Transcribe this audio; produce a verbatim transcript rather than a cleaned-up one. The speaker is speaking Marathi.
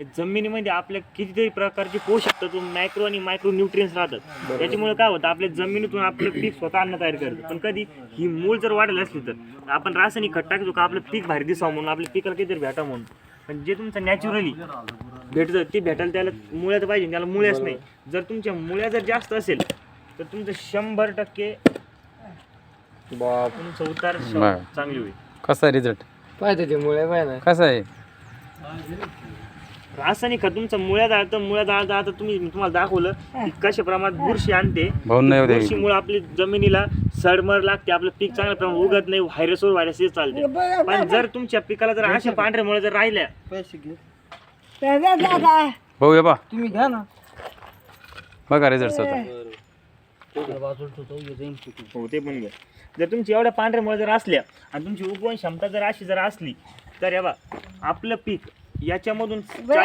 जमिनीमध्ये आपल्या कितीतरी प्रकारचे पोषक तत्व मॅक्रो आणि मायक्रो न्यूट्रियन्स राहतात. त्याच्यामुळे काय होतं आपल्या जमिनीतून आपलं पीक स्वतः अन्न तयार करतं. पण कधी ही मूळ जर वाढेल असली तर आपण रासायनिक खत टाकतो का आपलं पीक भारी दिसावं म्हणून आपल्या पिकाला काहीतरी भेटा म्हणून. पण जे तुमचं नॅचरली भेटतं ते भेटायला त्याला मुळ्यात पाहिजे, त्याला मुळ्याच नाही. जर तुमच्या मुळ्या जर जास्त असेल तर तुमचं शंभर टक्के तुमचं उतार चांगली होईल. कसा आहे रिझल्ट पाहिजे ते मुळे पाहिजे कसा आहे? रासायनिक खत तुमचं मुळ्या जाळतं, मुळ्या जाळतं. आता तुम्ही मी तुम्हाला दाखवलं की कशा प्रमाणात बुरशी आणते. बुरशीमुळे आपली जमिनीला सडमर लागते, आपलं पीक चांगल्या प्रमाणात उगत नाही, व्हायरसवर व्हायरस हे चालते. पण जर तुमच्या पिकाला जर अशा पांढऱ्या मुळे जर राहिल्या पैसे घे भाऊ ये बा तुम्ही घ्या ना. बघा रिझल्ट होता. हो ते पण घ्या. जर तुमची एवढ्या पांढऱ्या मुळे जर असल्या आणि तुमची उगवण क्षमता जर अशी जर असली तर या बा आपलं पीक याच्यामधून